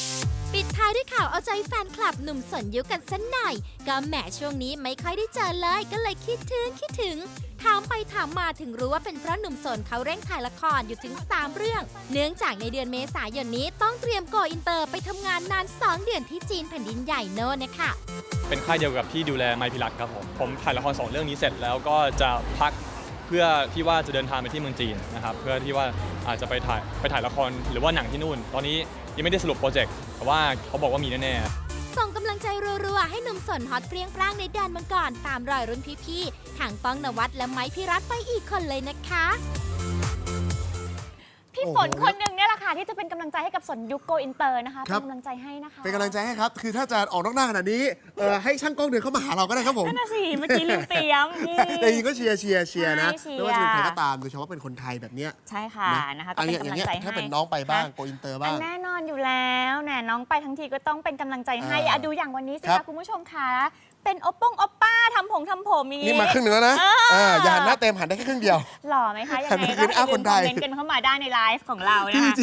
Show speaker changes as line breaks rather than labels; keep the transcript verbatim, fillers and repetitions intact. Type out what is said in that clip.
ปิดท้ายด้วยข่าวเอาใจแฟนคลับหนุ่มสนยุคกันสักหน่อยก็แหมช่วงนี้ไม่ค่อยได้เจอเลยก็เลยคิดถึงคิดถึงถามไปถามมาถึงรู้ว่าเป็นเพราะหนุ่มสนเขาเร่งถ่ายละครอยู่ถึงสามเรื่องเนื่องจากในเดือนเมษายนนี้ต้องเตรียมโกอินเตอร์ไปทำงานนานสองเดือนที่จีนแผ่นดินใหญ่โน่นนะคะ
เป็นค่ายเดียวกับที่ดูแลไมค์พิรัตครับผมผมถ่ายละครสองเรื่องนี้เสร็จแล้วก็จะพักเพื่อที่ว่าจะเดินทางไปที่เมืองจีนนะครับเพื่อที่ว่าอาจจะไปถ่ายไปถ่ายละครหรือว่าหนังที่นู่นตอนนี้ยังไม่ได้สรุปโปรเจกต์แต่ว่าเขาบอกว่ามีแน่ๆ
ส่งกำลังใจรัวๆให้หนุ่มสนฮอตเปรี้ยงปร้างในแดนมังกรตามรอยรุ่นพี่ๆทางป้องนวัดและไม้พิรัตไปอีกคนเลยนะคะ
พี่ฝนคนหนึ่งเนี่ยแหละค่ะที่จะเป็นกำลังใจให้กับสนยุคโกอินเตอร์นะคะเป็นกำลังใจให้นะคะ
เป็นกำลังใจให้ครับคือถ้าจะออกนอกหน้าขนาดนี้เออให้ช่างกล้องเดินเข้ามาหาเราก็ได้ครับผม
นั่นน่ะสิเมื่อกี้ลืมเตรียม
แต่จริงก็เชียร์เชียร์เชียร์นะ
ใช่
ไม่ว่าจะเป็นใครก็ตามโดยเฉพาะเป็นคนไทยแบบเนี้ย
ใช่ค่ะนะคะก็
อัน
เป็
นี้
น
อก
ำ
ย่า
ลั
ง
ง
เงี้ย
ใจให้
ถ้าเป็นน้องไปบ้างโกอินเตอร์บ้าง
แน่นอนอยู่แล้วแน่น้องไปทั้งทีก็ต้องเป็นกำลังใจให้
อ่า
อะดูอย่างวันนี้สิ
ครั
คะ
บ
คุณผู้ชมคะเป็นโอปป้งโอปป้าทำผมทำผมอย่าง
นี่
นี้
มาครึ่งหนึ่งแล้วนะ
อ่า
อ่าอย่าหันหน้าเต็มหันได้แค่ครึ่งเดียว
หล่อไหมคะยังไง
หันไป
ก็
คืนอ้าวคนไทย
คอมเมนต์กันเข้ามาได้ในไลฟ์ของเรานะคะ